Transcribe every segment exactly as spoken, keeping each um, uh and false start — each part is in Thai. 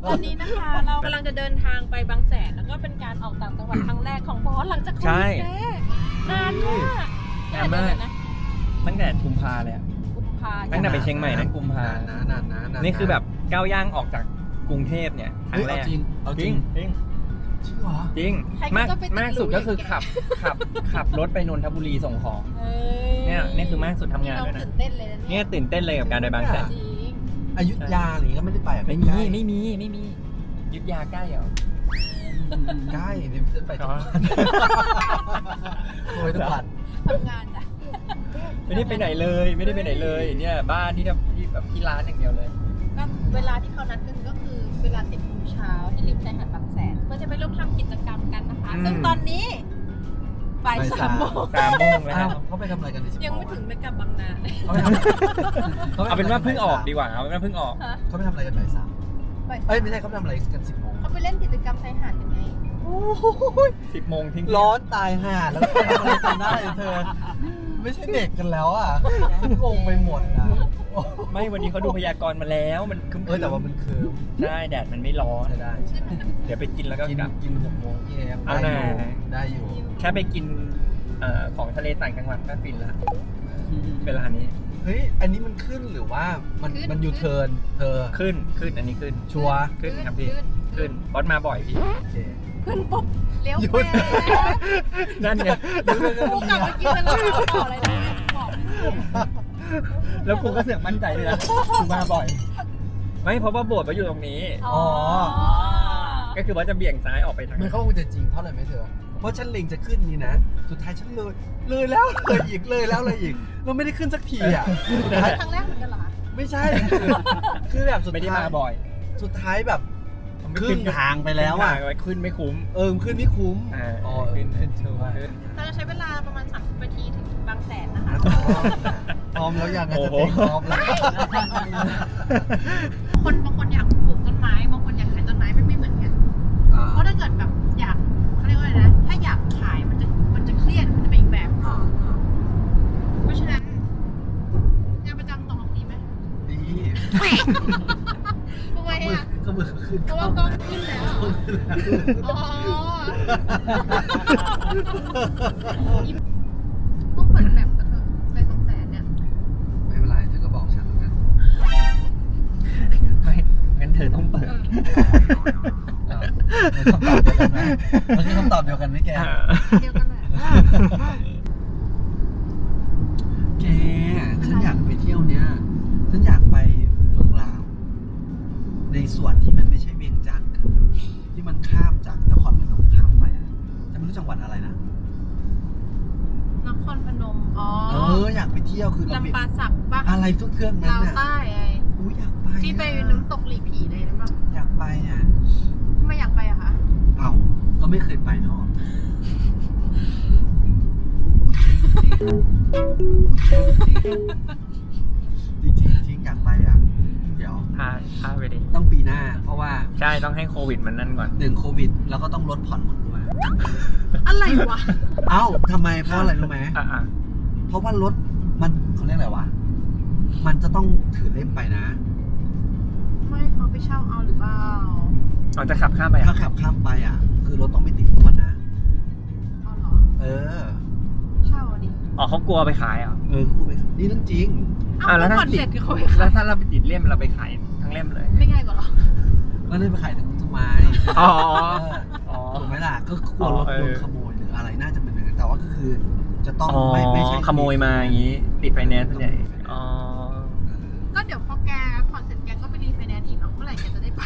ตอนนี้นะคะเรากำลังจะเดินทางไปบางแสนแล้วก็เป็นการออกต่างจังหวัดครั้งแรกของบอสหลังจากโควิดแน่นานมากนานมากตั้งแต่กุมภาเลยอะกุมภาตั้งแต่ไปเชียงใหม่นั้นกุมภานะนานนะนานนี่คือแบบก้าวย่างออกจากกรุงเทพเนี่ยครั้งแรกจริงเอาจริงจริงจริงเหรอจริงมากมากสุดก็คือขับขับขับรถไปนนทบุรีส่งของเนี่ยนี่คือมากสุดทำงานด้วยนะตื่นเต้นเลยนะเนี่ยตื่นเต้นเลยกับการไปบางแสนจริงอยุธยาหรือก็ไม่ได้ไปอ่ะไม่มีไม่มีไม่มียุทธยาใกล้เหรอใกล้เดี๋ยวจะไปทุกวันโอ้ยทุกวันทำงานจ้ะไม่ได้ไปไหนเลยไม่ได้ไปไหนเลยเนี่ยบ้านที่ทำที่แบบที่ร้านอย่างเดียวเลยก็เวลาที่เขานัดกันก็คือเวลาสิบโมงเช้าที่ริมชายหาดบางแสนเพื่อจะไปร่วมทำกิจกรรมกันนะคะซึ่งตอนนี้บ่ายสามโมงสามโมงแล้วอ้าวเขาไปทำอะไรกันในสิบยังไม่ถึงไปกลับบางนาเลยเขาไปทำเอาเป็นว่าเพิ่งออกดีกว่าเอาเป็นว่าเพิ่งออกเขาไปทำอะไรกันบ่ายสามบ่ายเอ้ยไม่ใช่เขาไปทำอะไรกันสิบโมงเขาไปเล่นกิจกรรมชายหาดกันไงสิบโมงทิ้งร้อนตายห่าแล้วไปทำอะไรกันได้เธอ ไม่ใช่เด็กกันแล้วอ่ะงงไปหมดนะไม่วันนี้เขาดูพยากรณ์มาแล้วมันคึมเออแต่ว่ามันคือใช่แดดมันไม่ร้อนใช่ได้เดี๋ยวไปกินแล้วก็กินกลับกินหกโมงเย็นเอาได้หอน่ายู่ได้อยู่แค่ไปกินเอ่อของทะเลต่างจังหวัดก็ฟินละเวลานี้เฮ้ยอันนี้มันขึ้นหรือว่ามันมันยูเทิร์นเธอขึ้นขึ้นอันนี้ขึ้นชัวร์ขึ้นครับพี่ขึ้นบอสมาบ่อยพี่โอเคขึ้นปุ๊บเลี้ยวหยุแม่ดนั่นไงกูกลับมากินแล้วเราต่ออะไรนะบอกแล้วกูก็เสือกมั่นใจเลยนะกูมาบ่อย ไม่เพราะว่าโบสถ์มาอยู่ตรงนี้อ๋อก็คือว่าจะเบี่ยงซ้ายออกไปทางมันเข้าคงจะจริงเพราะอะไรไหมเธอ เพราะฉันเล็งจะขึ้นนี่นะ สุดท้ายฉันเลย เลยแล้วเลยอีกเลยแล้วเลยอีก เราไม่ได้ขึ้นสักทีอ่ะสุดท้ายครั้งแรกเหมือนกันเหรอคะไม่ใช่ คือคือแบบสุดไม่ได้ท้ายมาบ่อยสุดท้ายแบบครึ่งทางไปแล้วอ่ะขึ้นไม่คุ้มเออขึ้นไม่คุ้มอ่าอ๋อขึ้นขึ้นจริงว่าขึ้นเราจะใช้เวลาประมาณสามสิบนาทีถึงบางแสนนะคะพร้อมแล้วยังไงโอ้จะโหเต็มพร้อมแล้วคนบางคนอยากปลูกต้นไม้บางคนอยากขายต้นไม้ไม่ไม่เหมือนกันอ่าเพราะถ้าเกิดแบบอยากเขาเรียกว่าอะไรนะ ถ้าอยากขายมันจะมันจะเครียดมันจะเป็นอีกแบบอ่าอ่าเพราะฉะนั้นงานประจำตรงนี้ไหมดีทำไมอ่ะก็มือขึ้นเพราะว่ากล้องขึ้นแล้ว อ๋อต้องเปิดแบบกันเถอะไปสองแสนเนี่ยไม่เป็นไรเธอก็บอกฉันแล้วกันไม่งั้นเธอต้องเปิดมันคือคำตอบเดียวกันไหมแกเดียวกันแหละแก ฉันอยากไปเที่ยวเนี้ย ฉันอยากไปเมืองลาว ในส่วนที่มันไม่ใช่เวียงจันทร์คือที่มันข้ามจากนครพนมข้ามไปอ่ะจะไม่รู้จังหวัดอะไรนะนครพนม อ๋อเอออยากไปเที่ยวคือเราลำปาสักปะอะไรทุกเครื่องนั้นลาวน่ะใต้ไงอู้อยากไปที่ไปน้ำตกหลีผีเลยนะมั้งอยากไปอ่ะทำไมอยากไปอะคะเอาก็ไม่เคยไปเนาะจริงจริงจริงอยากไปอ่ะ เดี๋ยวพาพาไปดิต้องปีหน้า เพราะว่าใช่ต้องให้โควิดมันนั่นก่อนหนึ่งโควิด แล้วก็ต้องลดผ่อนหมดด้วยอะไรวะเอ้าทำไมเพราะอะไรรู้ไหมอ่ะอ่ะเพราะว่ารถมันเขาเรียกอะไรวะ มันจะต้องถือเล่มไปนะไม่เขาไปเช่าเอาหรือเปล่าเราจะขับข้ามไปถ้าอ่ะขับข้ามไปอ่ะ คือรถต้องไม่ติดทุกวันนะเอาเหรอเออเช่าอะดิอ๋อเขากลัวไปขายเหรอ่ะเออคู่ไปนี่เรื่องจริงเอาอ่ะแล้วแล้วถ้าก่อนเสร็จก็เขาไปแล้ขาวย ถ้าเราไปติดเล่มเราไปขายทั้งเล่มเลยไม่ง่ายกว่าเหรอแล้วนี่ไปขายถึงทำไมอ๋อเอออ๋อถูกไหมล่ะ ก็กลัวรถอ๋อเออโดนขโมยหรืออะไรน่าจะเป็นอย่างนั้นแต่ว่าก็คือ จะต้องอ๋อไม่ไม่ใช่ขโมยมาอย่างนี้ ติดไฟแนนซ์ส่วนใหญ่อ๋อเออก็เดี๋ยวพอแกผ่อนเสร็จแกก็ไปรีไฟแนนซ์อีกเนาะเมื่อไหร่แกจะได้ไป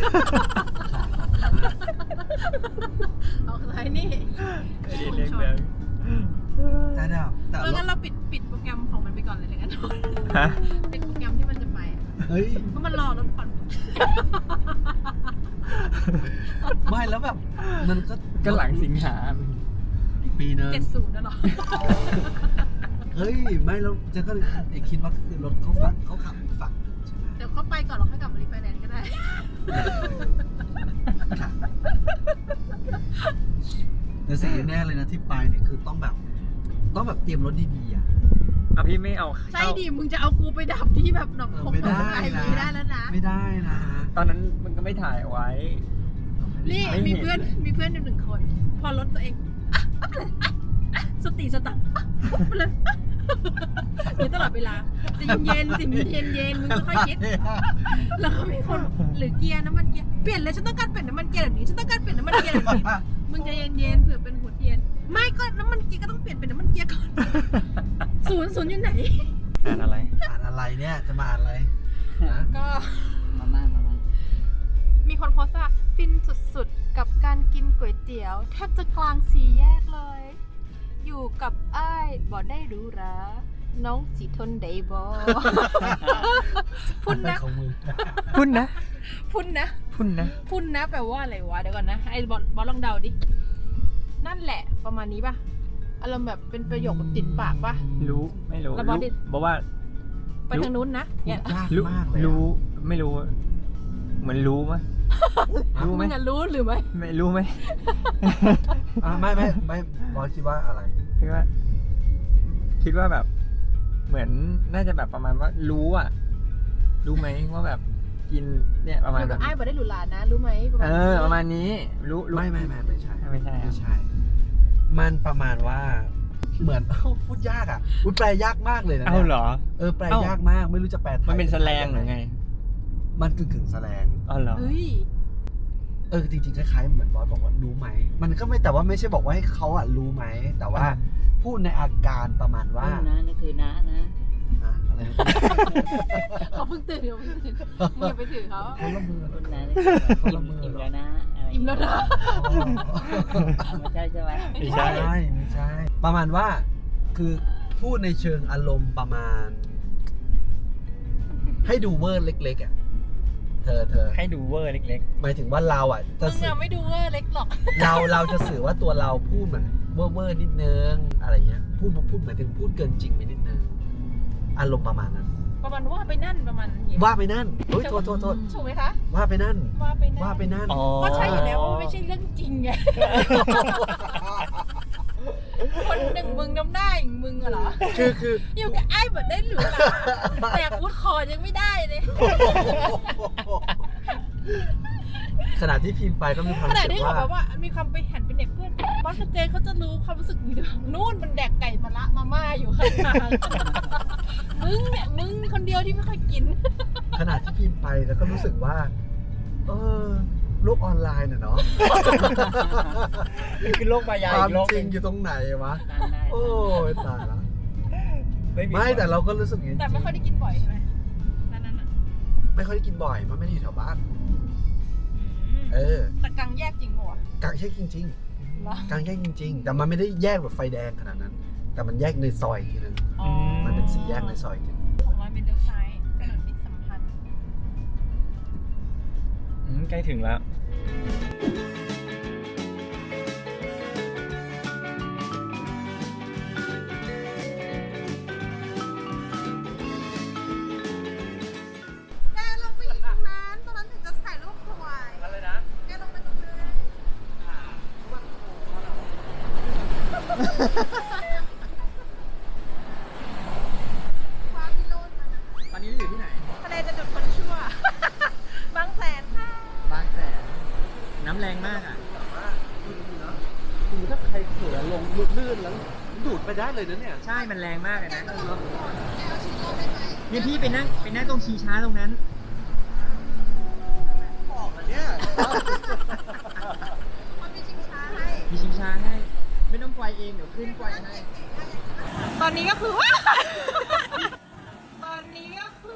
เอาใช่นี่ไม่ได้เล่นเลยแต่เดี๋ยวแต่เออรงั้ถนเราปิดปิดโปรแกรมของมันไปก่อนเลยเลยกันฮะปิดโปรแกรมที่มันจะไปอะเฮ้ยเพราะมันรอรถผ่อนไม่แล้วแบบ มันก็ก็หลังสิงหาอีกปีนึงเจ็ดศูนย์นะหรอเฮ้ย ไม่แล้วเจะก็เอกคิดว่าคือรถเขาฝั่งเขาขับอีกฝั่งหนึ่งใช่ไหมเดี๋ยวเขาไปก่อนเราค่อยกลับมารีไฟแนนซ์ก็ได้ค่ะแต่สิ่งแน่เลยนะที่ไปเนี่ยคือต้องแบบ ต้องแบบเตรียมรถดีๆอ่ะอ่ะพี่ไม่เอาใช่เข้าดิมึงจะเอากูไปดับที่แบบหนองคงไม่หนได้องไอนะไม่ได้แล้วนะไม่ได้นะตอนนั้นมันก็ไม่ถ่ายเอาไว้นี่ไม่เห็นมีเพื่อนมีเพื่อนอยู่หนึ่งคน พอรถตัวเองอ่ะอ่ะไปเลยอ่ะอ่ะสติสตังค์อ่ะอ่ะไปเลยอ่ะอยู่ตลอดเวลาใจะเย็นๆสิมึงเย็นเย็นๆมึงค่อยๆคิด แล้วก็มีคนหรือเกียร์น้ำมันเกียร์เปลี่ยนเลยฉันต้องการเปลี่ยนน้ำมันเกียร์แบบนี้ฉันต้องการเปลี่ยนน้ำมันเกียร์แบบนี้มึงใจเย็นๆเผื่อเป็นหัวเทียน ไม่ก็น้ำมันเกียร์ก็ต้องเปลี่ยนเป็นน้ำมันเกียร์ก่อนศูนย์ศูนย์อยู่ไหนอ่านอะไรอ่านอะไรเนี่ยจะมาอ่านอะไรนะก็มาม่ามาม่ามีคนโพสต์ว่าฟินสุดๆ กับการกินก๋วยเตี๋ยว แทบจะกลางสี่แยกเลย อยู่กับอ้ายบ่ได้หรู้ราน้องสีทนได้บ่ พุ่นอะไรนะของมึงพุ่นนะพุ่นนะพุ่นนะพุ่นนะแปลว่าอะไรวะเดี๋ยวก่อนนะไอ้บอลบอลลองเดาดินั่นแหละประมาณนี้ป่ะอารมณ์แบบเป็นประโยคแบบติดปากป่ะรู้ไม่รู้แล้วบอสดิบอกว่าไปทางนู้นนะพูเนี่ดยยากรู้มากเลยอะรู้ไม่รู้ เหมือนรู้มั้ยรู้ไหมมึงอะรู้หรือไม่ไม่รู้ไหมอ่ะไม่ไม่ไม่บอสคิดว่าอะไรคิดว่า คิดว่าแบบ เหมือนน่าจะแบบประมาณว่ารู้อ่ะ รู้ไหมว่าแบบกินเนี่ยประมาณอยู่แบกับบ ไอ้บ่ได้หรูหรานะ รู้ไหมเออ ประมาณนี้ รู้รู้ไม่ไม่ไม่ไม่ใช่ไม่ใช่ไม่ใช่ มันประมาณว่า เหมือน เอ้าพูดยากอ่ะพูดแปลยากมากเลยนะเอ้านี่ยเหรอเออแปลเอ้ายยากมากไม่รู้จะแปลไทยมันเป็นแสลงหรือไงมันกึ่งกึ่งๆแสลงอ๋อเหรอเฮ้ยเออจริงๆคล้ายๆเหมือนบอสบอกว่ารู้ไหมมันก็ไม่แต่ว่าไม่ใช่บอกว่าให้เขาอ่ะรู้ไหมแต่ว่าอ่าพูดในอาการประมาณว่าว่านะนี่คือน้านะอะอะไรนะเขาเพิ่งตื่นเขาเพิ่งตื่นมึงอย่าไปถือเขาคนละมือคุณน้านี่คืออิ่มอิ่มแล้วนะอะไรอิ่มแล้วนะไม่ใช่ใช่ไหมไม่ใช่ไม่ใช่ไม่ใช่ ประมาณว่าคือพูดในเชิงอารมณ์ประมาณ ให้ดูเวอร์เล็กๆอ่ะเธอเธอให้ดูเวอร์เล็กหมายถึงว่าเราอ่ะจะมึงสื่ออะไม่ดูเวอร์เล็กหรอกเราเราจะสื่อว่าตัวเราพูดเหมือนเวอร์เวอร์นิดนึงอะไรเงี้ยพูดพูดหมายถึงพูดเกินจริงไปนิดนึงอารมณ์ประมาณนั้นประมาณว่าไปนั่นประมาณนี้ว่าไปนั่นเฮ้ยโทษโทษโทษถูกไหมคะว่าไปนั่นว่าไปนั่นว่าไปนั่นๆ อ๋อก็ใช่อยู่แล้วว่ามันไม่ใช่เรื่องจริงไง คนหนึ่งมึงน้ำหน้าอย่างมึงอะเหรอคือคืออยู่กับไอ้แบบได้หรือเปล่าแต่พูดคอยังไม่ได้เลยขณะที่พิมพ์ไปก็มีความขรู้ณะสึกที่เขาว่าแบบว่ามีความไปหันไปเหน็บเพื่อนบอสกับเจเขาจะรู้ความรู้สึกมึงเดี๋ยวนู่นมันแดกไก่มะละมาม่าอยู่ข้างทางมึงเนี่ยมึงคนเดียวที่ไม่ค่อยกินขณะที่พิมพ์ไปแล้วก็รู้สึกว่า เออโลกออนไลน์น่ะเนาะมันคือโลกมายาควาอีมกโลกจหรินึ่งงอยู่ตรงไหนวะตามได้โอ้ยตายละไม่มีไม่แต่เราก็รู้สึกอย่างนี้แต่ไม่ค่อยได้กินบ่อยใช่ไหมนั่นนั่นอ่ะไม่ค่อยได้กินบ่อยมันไม่ได้อยู่แถวบ้านอืมเออแต่กลางแยกจริงปะวะกลางแยกจริงเหรอๆกลางแยกจริง ๆ แต่มันไม่ได้แยกแบบไฟแดงขนาดนั้น แต่มันแยกในซอยอีกทีนึงอ๋อมันเป็นสี่แยกในซอยอีกทีนึงของเราเป็นเลี้ยวซ้ายถนนมิตรสัมพันธ์อืมใกล้ถึงแล้วแกลงไปอีกตรงนั้นตรงนั้นถึงจะถ่ายรูปสวยอะไรนะแกลงไปตรงนั้นฟ้าพิโรจน์มานะตอนนี้เราอยู่ที่ไหนทะเลจะจุดคนชั่ว บางแสนค่ะบางแสนน้ำแรงมากอ่ะคือถ้าใครเขือลงลื่นแล้วดูดไปได้เลยนะเนี่ยใช่ มันแรงมากเลยนะแกเอาชิ้นโลได้ไหมเนี่ยพี่ไปนั่งไปนั่งตรงชีช้าตรงนั้นบอกอันเนี้ยมันมีชิงช้าให้มีชิงช้าให้ ไม่ต้องไกวเอง เดี๋ยวขึ้นไกวให้ตอนนี้ก็คือว่า ตอนนี้ก็คือ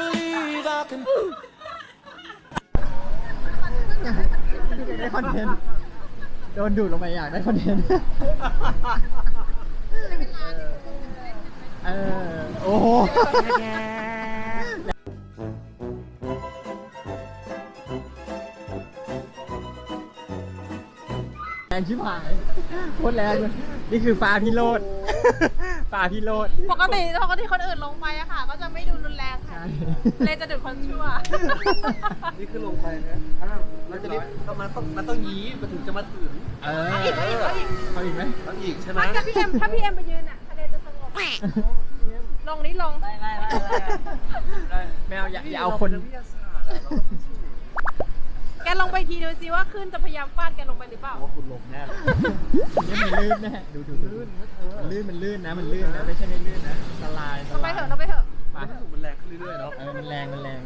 ได้คอนเทนต์ โดนดูดลงไปอยากได้คอนเทนต์ เออ โอ้โห แรงชิบหายโคตรแรงเลยนี่คือฟ้าพิโรธ ฟ้าพิโรธปกติปกติคนอื่นลงไปอะค่ะ ก็จะไม่ดูรุนแรงค่ะ เลยจะดูดคนชั่วนี่คือลงไปนะอ้าวเราจะรีบต้องมาต้องมันต้องยี้มันถึงจะมาถึงเออเอาอีกเอาอีกเอาอีกเอาอีกไหมต้องอีกใช่ไหมไม่กับพี่เอ็มถ้าพี่เอ็มไปยืนอะทะเลจะสงบลงนี้ลงไม่ไม่ไม่ไม่ไม่เอาอย่าอย่าเอาคนวิทยาศาสตร์อะเราต้องพิสูจน์แกลงไปทีดูสิว่าขึ้นจะพยายามฟาดแกลงไปหรือเปล่าว่าคุณลงแน่เลยนี่มันลื่นแน่ดูดูลื่นมันลื่นมันลื่นนะมันลื่นนะไม่ใช่ไม่ลื่นนะสลายสเราลายไปเถอะเราไปเถอะไปรู้สึกมันแรงขึ้นเรื่อยๆเนาะเออมันแรงมันแรง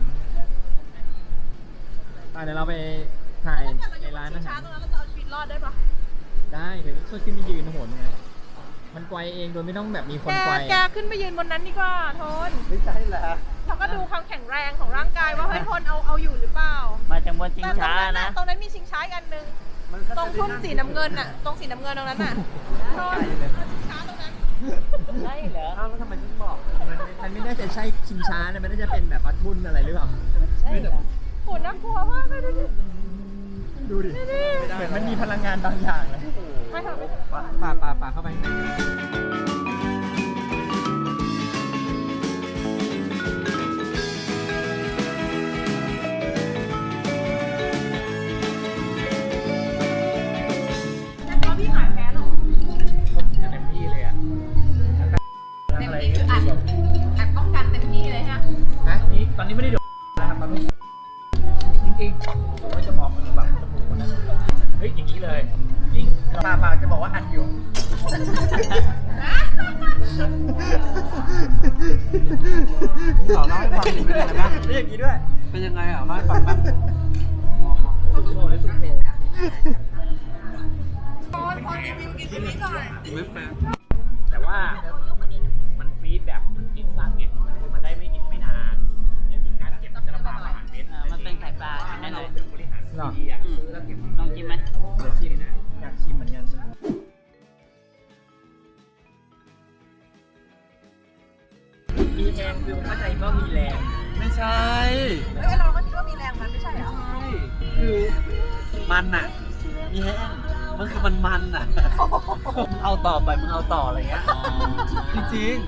ไปเดี๋ยวเราไปถ่ายในร้านอาหารตรงนั้นเราจะเอาชีวิตรอดได้ปะได้เดี๋ยวช่วยขึ้นไปยืนโหนไงมันไกวเองโดยไม่ต้องแบบมีคแกนไกวแกขึ้นไปยืนบนนั้นดีกว่าโทนไม่ใช่แหละเราก็ดูความแข็งแรงของร่างกายว่าเฮ้ยโทนเอาเอาอยู่หรือเปล่ามาจากบนชิงแต่ตรงช้านั้นนะน่ะตรงนั้นมีชิงช้าอีกอันหนึงมันก็ตรงทุ่นสีน้ำเงินน่ะ ตรงสีน้ำเงินตรงนั้นน่ะโทนชิงช้าตรงนั้นใช่เหรออ้าวแล้วทำไมถึงบอกมันมันไม่น่าจะใช่ชิงช้านะมันน่าจะเป็นแบบว่าทุ่นอะไรหรือเปล่าใช่เหรอโหน่ากลัวมากเลยดูดิดูดิเหมือนมันมีพลังงานบางอย่างเลยไปเถอะไปเถอะป่าป่าป่าเข้าไปแล้วพี่หายแพ้หรอเต็มที่เลยอ่ะเต็มที่คืออัดอัดป้องกันเต็มที่เลยฮะฮะนี่ตอนนี้ไม่ได้โดนนะครับตอนนี้จริงๆผมไม่จะมองมันแบบจมูกนะเฮ้ยอย่างนี้เลยจริงป่าป่าจะบอกว่าอัดอยู่ต่อเล่าให้ฟังเป็นยังไงบ้างเรียกอย่างนี้ด้วยเป็นยังไงอ่ะเล่าให้ฟังบ้างสุดโหดเลยสุดโหดโทนโทนรีวิวกินที่นี่ก่อนไม่แปลแต่ว่ามันฟีดแบบมันกินสั้นไงคือมันได้ไม่กินไม่นานเนี่ยจริงการเก็บมันจะลำบากกว่าอาหารเม็ดเออมันเป็นไข่ปลาถ้าแน่นเราอนถึงบริหารดีอ่ะซื้อแล้วเก็บลองกินไหมเดี๋ยวชิมนะอยากชิมเหมือนกันมีแรงคือเข้าใจว่ามีแรงไม่ใช่เฮ้ยเราก็คิดว่ามีแรงมันไม่ใช่เหรอใช่คือมันอ่ะมีแห้งมันคือมันมันอ่ะมึงเอาต่อไปมึงเอาต่ออะไรเงี้ยจริง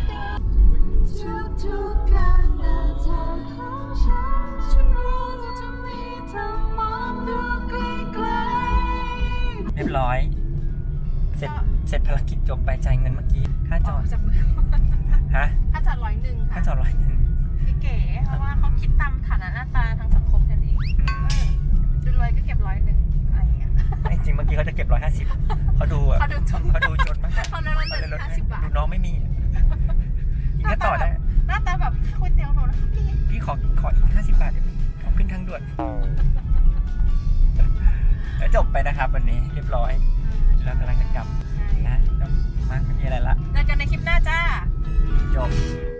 เรียบร้อย เสร็จเสร็จภารกิจจบไปจ่ายเงินเมื่อกี้ค่าจอดจากมือฮะถ้าจัดร้อยหนึ่งค่าค่ะจอดร้อยหนึ่งพี่เก๋เพราะว่าเขาคิดตามฐานะหน้าตาทางสังคมแค่นี้อืมดูรวยก็เก็บร้อยหนึ่งอะไรอย่างเงี้ยไอ้จริงเมื่อกี้เขาจะเก็บร้อยห้าสิบเขาดูอ่ะเขาดูจนเขาดูจนมากเขาเลยลดเหลือห้าสิบบาทดูน้องไม่มีอีกก็ต่อได้หน้าตาแบบก๋วยเตี๋ยวหนูนะคะพี่พี่ขอขออีกห้าสิบบาทเดี๋ยวขอขึ้นทางด่วนแล้วจบไปนะครับวันนี้เรียบร้อยแล้วกำลังจะกลับนะก็มากไม่มีอะไรละเจอกันในคลิปหน้าจ้าจบ